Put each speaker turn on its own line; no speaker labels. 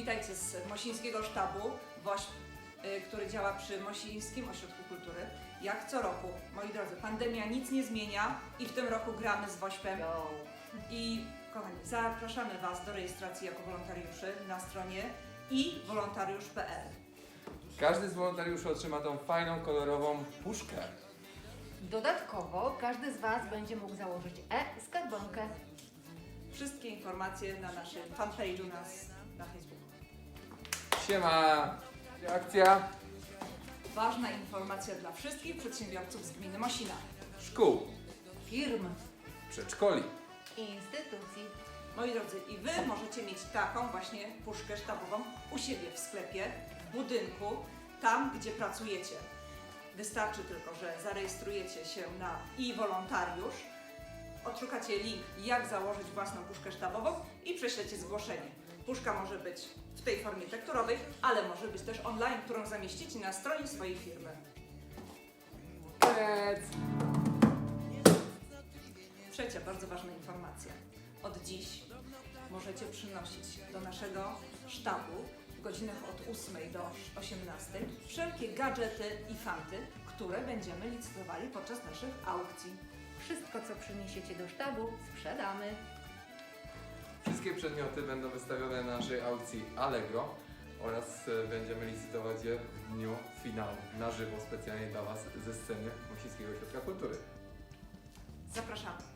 Witajcie z Mosińskiego Sztabu WOŚP, który działa przy Mosińskim Ośrodku Kultury. Jak co roku, moi drodzy, pandemia nic nie zmienia i w tym roku gramy z WOŚP-em. I kochani, zapraszamy Was do rejestracji jako wolontariuszy na stronie iwolontariusz.pl.
Każdy z wolontariuszy otrzyma tą fajną, kolorową puszkę.
Dodatkowo każdy z Was będzie mógł założyć e-skarbonkę.
Wszystkie informacje na naszym fanpage'u na Facebooku.
Siema! Akcja
Ważna informacja dla wszystkich przedsiębiorców z gminy Mosina.
szkół,
Firm,
przedszkoli.
instytucji.
Moi drodzy, i Wy możecie mieć taką właśnie puszkę sztabową u siebie w sklepie, w budynku, tam gdzie pracujecie. Wystarczy tylko, że zarejestrujecie się na iWolontariusz, odszukacie link, jak założyć własną puszkę sztabową i prześlecie zgłoszenie. Puszka może być w tej formie tekturowej, ale może być też online, którą zamieścicie na stronie swojej firmy. Trzecia bardzo ważna informacja. Od dziś możecie przynosić do naszego sztabu w godzinach od 8 do 18 wszelkie gadżety i fanty, które będziemy licytowali podczas naszych aukcji.
Wszystko, co przyniesiecie do sztabu, sprzedamy.
Wszystkie przedmioty będą wystawione na naszej aukcji Allegro oraz będziemy licytować je w dniu finału na żywo specjalnie dla Was ze sceny Mosińskiego Ośrodka Kultury.
Zapraszamy!